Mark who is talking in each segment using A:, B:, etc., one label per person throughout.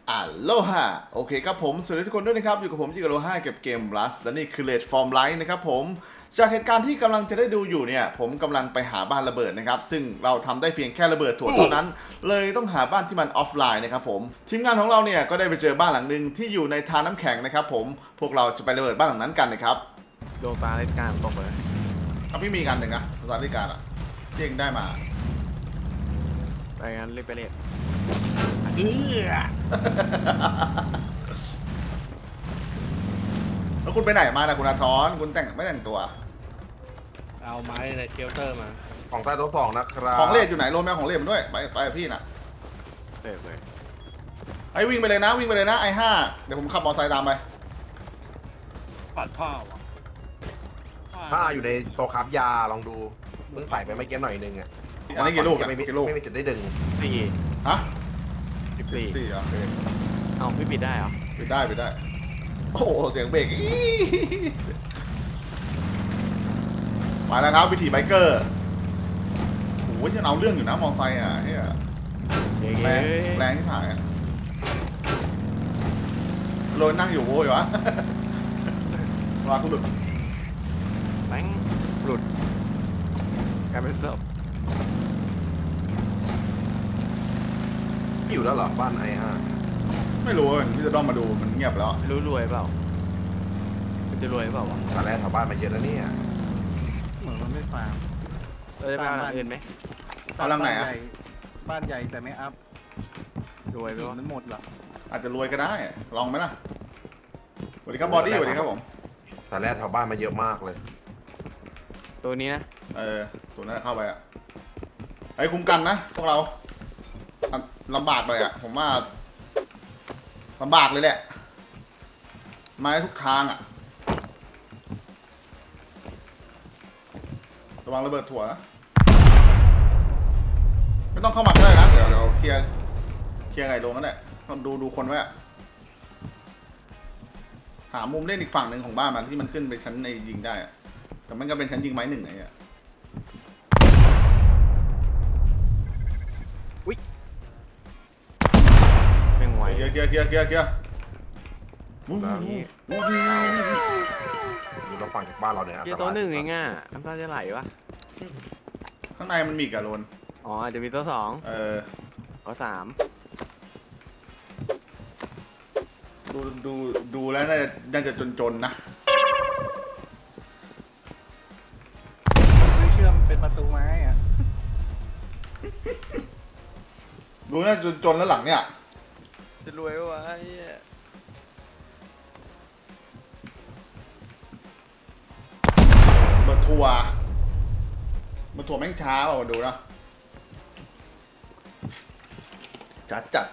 A: อัลโลฮาโอเคครับผมสวัสดีทุกคนด้วยนะครับอยู่กับผมจิกโลฮาเก็บเกม Rust และนี่คือ Red Form Light นะครับผมจากเหตุการณ์ที่กำลังจะได้ดูอยู่เนี่ยผมกำลังไปหาบ้านระเบิดนะครับซึ่งเราทำได้เพียงแค่ระเบิดถั่วเท่านั้นเลยต้องหาบ้านที่มันออฟไลน์นะครับผมทีมงานของเราเนี่ยก็ได้ไปเจอบ้านหลังหนึ่งที่อยู่ในทาน้ำแข็งนะครับผมพวกเราจะไประเบิดบ้านหลังนั้นกันนะครับ
B: ดวงตาเล่นการตกเลย
A: เอาพี่มีกันหนึ่งนะสถานการณ์อ่ะเจ๊งได้มา
B: ไปงั้นรีบไปเล่น
A: แล้วคุณไปไหนมานะคุณอาทรคุณแต่งไม่แต่งตัว
C: เอาไม้ในเชลเตอร์มา
D: ของใต้โต๊ะสองนะครับ
A: ของเล่อยู่ไหนโรมแมวของเล่มาด้วยไปกับพี่น่ะ
B: เลย
A: ไอ้วิ่งไปเลยนะวิ่งไปเลยนะไอ้ห้าเดี๋ยวผมขับมอเตอร์ไซค์ตามไป
C: ปัดผ้าว่ะ
D: ถ้าอยู่ในโต๊ะครับยาลองดูเพิ่งใส่ไปไม่เกี้หน่อยนึงอ่ะ
A: อันนี้กี่ลูกอะ
D: ไม่มี
A: กี่ลูก
D: ไม่มีสิทธิ์ได้ดึง
B: สี่
A: ฮะ
B: 14
A: สี่เหรอโอเค
B: เอาพี่ปิดได้เหรอ
A: ปิดได้ปิดได้โอ้โหเสียงเบรกอี๋มาแล้วครับวิถีไบเกอร์โอ้โหจะเอาเรื่องอยู่นะมอเตอร์ไซค์อ่ะเฮีย
B: เย้
A: แรงแรงที่ผ่านอ่ะโรยนั่งอยู่โว้ยวะ วาคุณหลุด
B: แบงหลุดกลายเป็นศพ
D: อยู่แล้วเหรอบ้านไอ้ฮะ
A: ไม่รู้ว่าพี่จะต้องมาดูมันเงียบแล้ว
B: รู้รวยเปล่ามันจะรวยเปล่าวะ
D: ตอนแรกแถวบ้านมาเยอะแล้วเนี่ย
E: เหมือนมันไม่ฟาร์ม
B: เราจะไปเอาหลังอื่นไหม
A: เอาลังไหนอ่ะ
E: บ้านใหญ่แต่ไม่อัพ
B: รวยไป
E: หิน
B: วะ
E: มันหมดเหรอ
A: อาจจะรวยก็ได้ ลองไหมล่ะสวัสดีครับบอดี้สวัสดีครับผม
D: ตอนแรกแถวบ้านมาเยอะมากเลย
B: ตัวนี้นะ
A: ตัวนั้นเข้าไปอ่ะไอ้คุ้มกันนะพวกเราอ่ะลำบากเลยอ่ะผมว่าลำบากเลยแหละมาได้ทุกทางอ่ะระวังระเบิดถั่วนะไม่ต้องเข้ามาก็ได้นะเดี๋ยวเคลียร์ไงลงกันแหละต้องดูคนไว้อะหามุมเล่นอีกฝั่งหนึ่งของบ้านมันที่มันขึ้นไปชั้นในยิงได้อะแต่มันก็เป็นชั้นยิงไม้หนึ่งไงอ่ะ
B: แม่งไหว
A: เคลียร์วู้
D: แล้ว
B: นี่
D: อยู่เราฝั่งจากบ้านเราเนี่ย
B: เกียร์ตัวหนึ่งเองอ่ะน้ำตาจะไหลวะ
A: ข้างในมันมีกะโลน
B: อ๋ออาจจะมีตัวสองตัวสาม
A: ดูแล้วน่าจะจนๆนะ
E: ไม่เชื่อมเป็นประตูไม้อะ
A: ดูน่าจะจนแล้วหลังเนี่ย
B: จะรวยวะ
A: เบอร์ทัวร์แม่งช้าว่ะดูนะจัด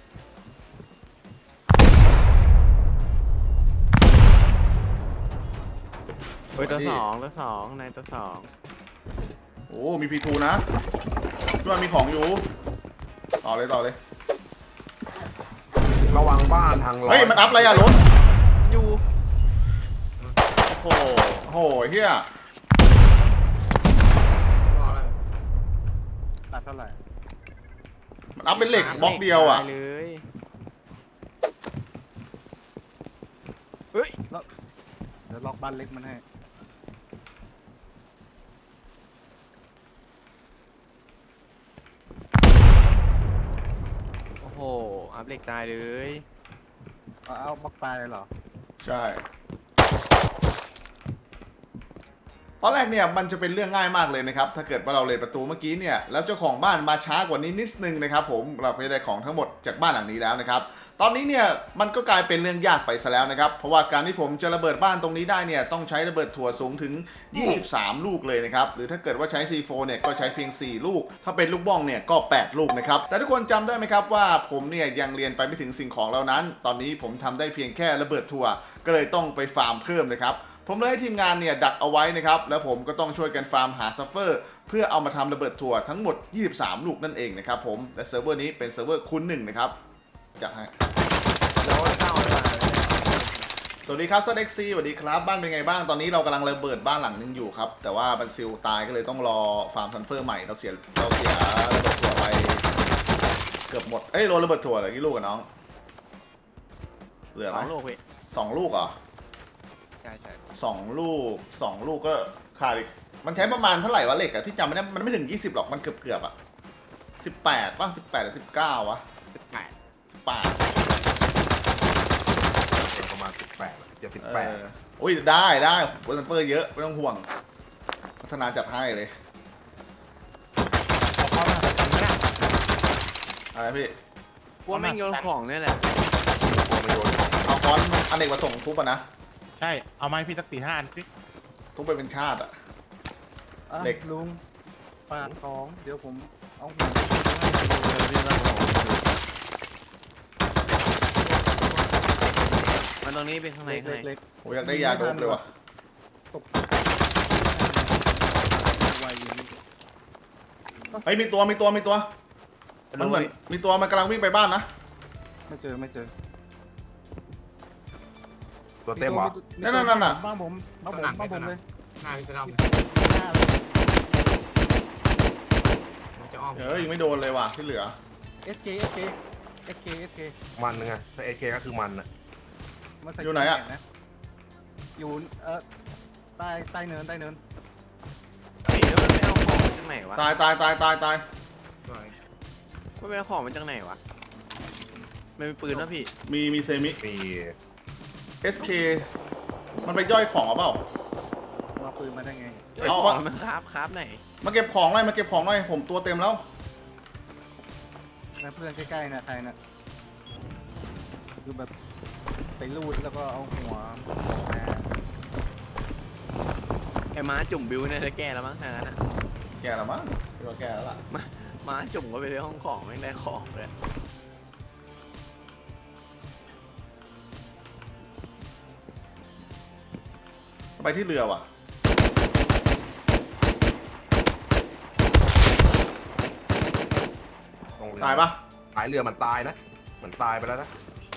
B: เฮ้ยตัวสองในตัวสอง
A: โอ้มีพีทูนะด้วยมีของอยู่ต่อเลย
D: ระวังบ้านทางร้อน
A: เฮ้ยมันอัพอะไรอะรถ
B: อยู่โอ้โห
A: โอ้โหเฮีย
E: ตัดเท่าไหร่
A: มันอัพเป็นเหล็กบล็อกเดียวอะ
B: ตาเลยเฮ้ย
E: เดี๋ยวล็อกบ้านเล็กมันให้
B: โอ้โหอัพเหล็กตายเลย
E: เอาบล็อกตายเลยเหรอ
A: ใช่ตอนแรกเนี่ยมันจะเป็นเรื่องง่ายมากเลยนะครับถ้าเกิดว่าเราเลยประตูเมื่อกี้เนี่ยแล้วเจ้าของบ้านมาช้ากว่านี้นิดนึงนะครับผมเราก็จะได้ของทั้งหมดจากบ้านหลังนี้แล้วนะครับตอนนี้เนี่ยมันก็กลายเป็นเรื่องยากไปซะแล้วนะครับเพราะว่าการที่ผมจะระเบิดบ้านตรงนี้ได้เนี่ยต้องใช้ระเบิดถั่วสูงถึง23ลูกเลยนะครับหรือถ้าเกิดว่าใช้ C4 เนี่ยก็ใช้เพียง4ลูกถ้าเป็นลูกบ้องเนี่ยก็8ลูกนะครับแต่ทุกคนจำได้ไหมครับว่าผมเนี่ยยังเรียนไปไม่ถึงสิ่งของเหล่านั้นตอนนี้ผมทำได้เพียงแค่ระเบิดถั่วก็เลยต้องไปฟาร์มเพิ่มนะครับผมเลยให้ทีมงานเนี่ยดักเอาไว้นะครับแล้วผมก็ต้องช่วยกันฟาร์มหาซัฟเฟอร์เพื่อเอามาทำระเบิดถั่วทั้งหมด23ลูกนั่นเองนะครับผมและเซิร์ฟเวอร์นี้เป็นเซิร์ฟเวอร์คูณ1นะครับจัดให้
B: แล้วเข้าเลย
A: สวัสดีครับซอดเอ็กซีสวัสดีครับบ้านเป็นไงบ้างตอนนี้เรากำลังระเบิดบ้านหลังนึงอยู่ครับแต่ว่าบันซิลตายก็เลยต้องรอฟาร์มซันเฟอร์ใหม่เราเสียระเบิดถั่วไปเกือบหมดโดนระเบิดถั่วเหลือกี่ลูกกับน้องเหลือ
B: ส
A: ไหม
B: องลูกพี่
A: 2 ลูกเหรอ
B: ใช่ใช่
A: 2 ลูกก็ขาดอีกมันใช้ประมาณเท่าไหร่วะเหล็กอะพี่จำไม่ได้มันไม่ถึง20หรอกมันเกือบอะ18ป่ะ18หรือ19วะ
B: 18
A: 18
D: ประมาณ18จะ
A: โอ้ยได้โบนัสเปอร์เยอะไม่ต้องห่วงพัฒนาจัดให้เลย
C: เอาเข้ามาทำไม่ได้
A: อะไรพี่
B: กลัวแม่งโยนของเนี่ยแหละ
D: 18กลัวมันโยนของ
A: เอาค้อนอเนกประสงค์ทุบอะนะ
C: ใช่เอาไม้พี่สัก4-5 อันสิ
A: ทุบไปเป็นชาติอะ
E: อ่ะ
A: เหล็ก
E: ลุงฝากของเดี๋ยวผมเอาหัว
B: มันตรงนี้เป็นข้างใน
E: เล็ก
B: ข้างใน
E: เล็ก
A: โอ้ยอยากได้ยาโดบเลยว่ะ
E: ตกไวอยู่นี่
A: เฮ้ยมีตัวมันเหมือนมีตัวมันกำลังวิ่งไปบ้านนะ
E: ไม่เจอ
D: ตัวเต็มเหรอ
A: นั่นน่ะ
E: บ้างผมเลย
F: หน้าพี่จะด
E: หน้าเลย
F: ำมันจะอ้อม
A: ยิงไม่โดนเลยว่ะที่เหลือ
E: SK
D: มันนึงไงถ้า AK ก็คือมันอะ
E: มันใส่
A: อยู่ไหนอะ
E: แขนะอยู่ใต้เนิน
B: เฮ้ยแล้วมันไปเอาของมาจากไหนวะ
A: ตาย
F: สวย
B: มันไปเอาของมาจากไหนวะมันมีปืนนะพี่
A: มีเซมิ
D: มี
A: SK มันไปย่อยของหรือเปล่า
E: เอาปืนมาได้ไง
A: เอา
B: ขอ
A: วะ
B: งมันครับไหน
A: มาเก็บของหน่อยผมตัวเต็มแล้ว
E: นะเพื่อนใกล้ๆนะใครนะคือแบบไปลูดแล้วก็เอาหัวมา
B: ไอ้ม้าจุ่มบิวเนี่ยจะแก้แล้วมั้งทางนั้นอะ
A: แกแล้วมั้งพี่ว่าแกแล้วล่ะ
B: ม้าจุ่มก็ไปในห้องของไม่งได้ของเลย
A: ไปที่เรือว่ะ
D: ตรงเรือ
A: ตายปะ
D: ตายเรือมันตายนะมันตายไปแล้วนะ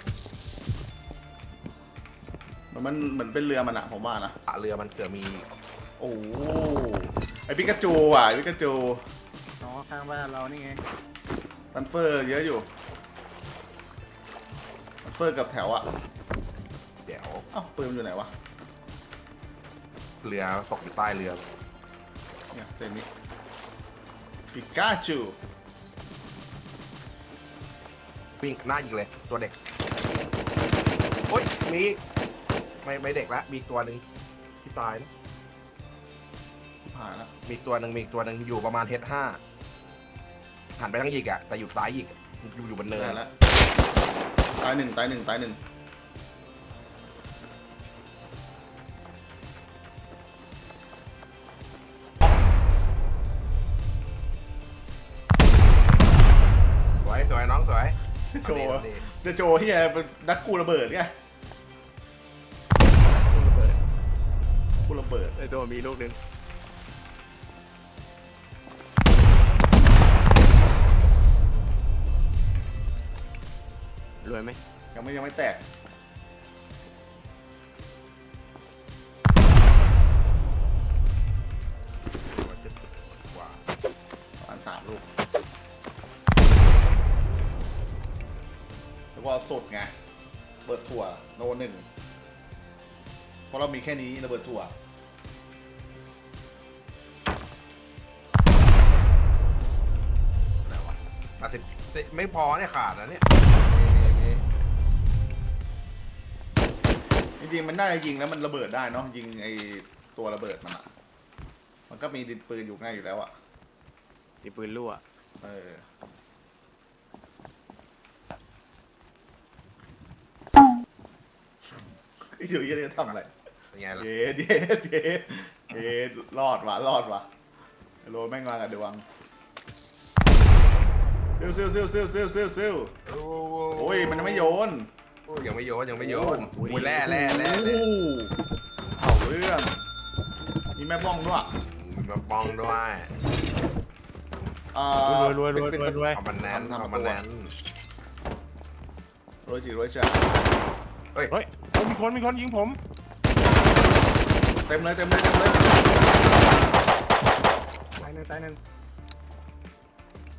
A: มันเหมือนเป็นเรือมันอะผมว่านะ
D: เรือมันเกิดมี
A: โอ้โหไอปิกาจูอ่ะไอปิกาจู
E: อ๋อข้างบ้านเรานี่ไง
A: ทันเฟอร์เยอะอยู่ทันเฟอร์กับแถวอะ
D: เดี๋ยว
A: เอ้าปืนมันอยู่ไหนวะ
D: เรือตกอยู่ใต้เรือ
A: เนี่ยเซมิปิกาจู
D: วิ่งหน้ายิงเลยตัวเด็กโอ้ยมีไม่เด็กละมีอีกตัวหนึ่งที่ตายนะ
A: ผ่านแล้ว
D: มีอีกตัวหนึ่งอยู่ประมาณH5หันไปทางยิกอะแต่อยู่ซ้ายยิกอะอยู่บนเนิน
A: ได้แล้วตายหนึ่ง
D: สวยน้องสวย
A: โจ
D: เอาดิ
A: จะโจที่เป็นนักกูระเบิดไงกูระเบิด
B: ไอ้ตัวมีลูกนึงรวยไหม
A: ยังไม่แตก
D: กว่า
A: ประมาณ3 ลูกแล้วก็สดไงเบิดถั่วโน1เพราะเรามีแค่นี้ระเบิดถั่ว
D: อะไรวะ80ไม่พอเนี่ยขาดนะเนี่ย
A: จริงๆมันน่าจะยิงแล้วมันระเบิดได้เนาะยิงไอตัวระเบิดมันอะมันก็มีดินปืนอยู่ง่ายอยู่แล้วอะ
B: มีปืนรั่ว
A: เออเดี๋ยวยังจะทำอะไร
D: เป็นไงล่ะ
A: เย็ดรอดว่ะโรแม่งมากับดวงซิลโอ้ยมันยังไม่โยน
D: ยังไม่โยน
A: โอ้ย
D: โอ้ยแร่
A: โอ้เอาเรื่องมีแม่บ้องด้วย
D: มาปองด้วย
C: รวย
D: เอามันแน่นเอามันแน่น
A: รวยจีรวยจ้า
C: เฮ้ยมีคนยิงผม
A: เต็มเลย
E: ตายหนึ่ง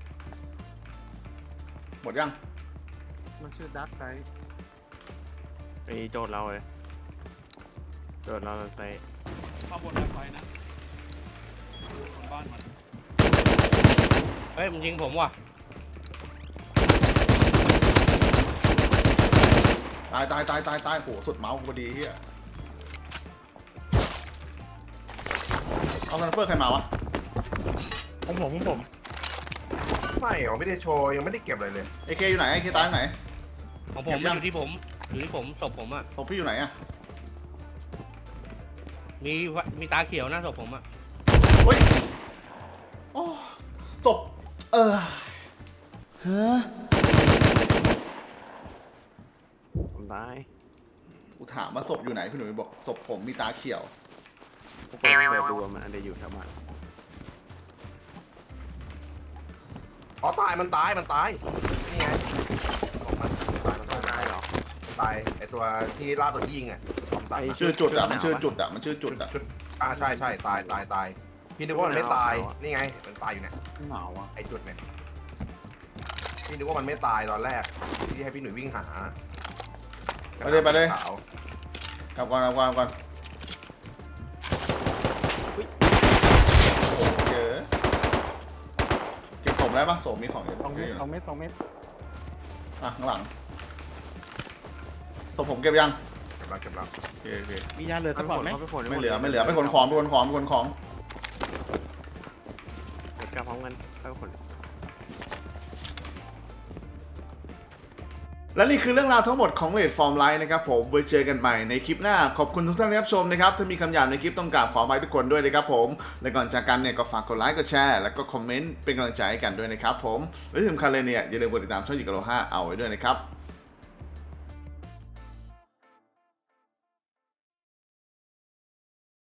A: หมดยัง
E: มันชื่อดาร์กไซด์
B: ไปโดดเราเลยโดดเราใส่
E: ข้าบนไฟนะบนบ้านมัน
F: เฮ้ยมันยิงผมว่ะ
A: ตายโหสุดเมาส์กูพอดีเฮียเอาซันเฟอร์ใครมาวะ
C: ของผม
D: ไม่เหรอไม่ได้โชว์ยังไม่ได้เก็บอะไรเลย
A: เอเคอยู่ไหนเอเคตายอยู่ไหน
F: ของผมมันอยู่ที่ผมศพผมอ่ะ
A: ศพพี่อยู่ไหนอะ
F: มีตาเขียวหน้าศพผมอ่ะ
A: เฮ้ยโอ้ศพ
B: ผมตาย
A: กูถามว่าศพอยู่ไหนพี่หนุ่ยบอกศพผมมีตาเขียว
B: เปิดดูมันอันเดียอยู่แถวบ้าน
D: อ๋อตายมันตายนี่ไงของมันตาย
B: ตายเหรอ
D: ตายไอตัวที่ล่าตัวที่ยิงอ่ะของสัตว์
A: ชื่อจุดอะมันชื่อจุดอะมันชื่อจุดอะ
D: ชุดใช่ตายพี่นึกว่ามันไม่ตายนี่ไงมันตายอยู่เนี่ย
E: หนาวอ่ะ
D: ไอจุดเนี่ยพี่นึกว่ามันไม่ตายตอนแรกที่ให้พี่หนุ่ยวิ่งหา
A: ไปเลย
D: ขาว
A: กลับก่อนโอ้โหเจอเก็บศพได้ปะศพมีของอยู่
E: 2 เมตร 2 เมตร
A: อ่ะข้างหลังศพผมเก็บยัง
D: เก็บแล้ว
A: โอเค
C: มียาเหลือ
B: เขา
C: สัก
B: ไป
C: ก่อ
B: ข
C: น
B: น
C: ไหม
B: เขาไปขน
A: ไม่เหลือไปขนของเ
B: ดี๋ยวกลับพร้อมกันเขาไปขน
A: และนี่คือเรื่องราวทั้งหมดของเลดฟอร์มไลน์นะครับผมไว้เจอกันใหม่ในคลิปหน้าขอบคุณทุกท่านที่รับชมนะครับถ้ามีคำหยาบในคลิปต้องกราบขออภัยทุกคนด้วยนะครับผมและก่อนจากกันเนี่ยก็ฝากกดไลค์กดแชร์แล้วก็คอมเมนต์เป็นกำลังใจให้กันด้วยนะครับผมและที่สำคัญเลยเนี่ยอย่าลืมกดติดตามช่องจิกโล5เอาไว้ด้วยนะครับ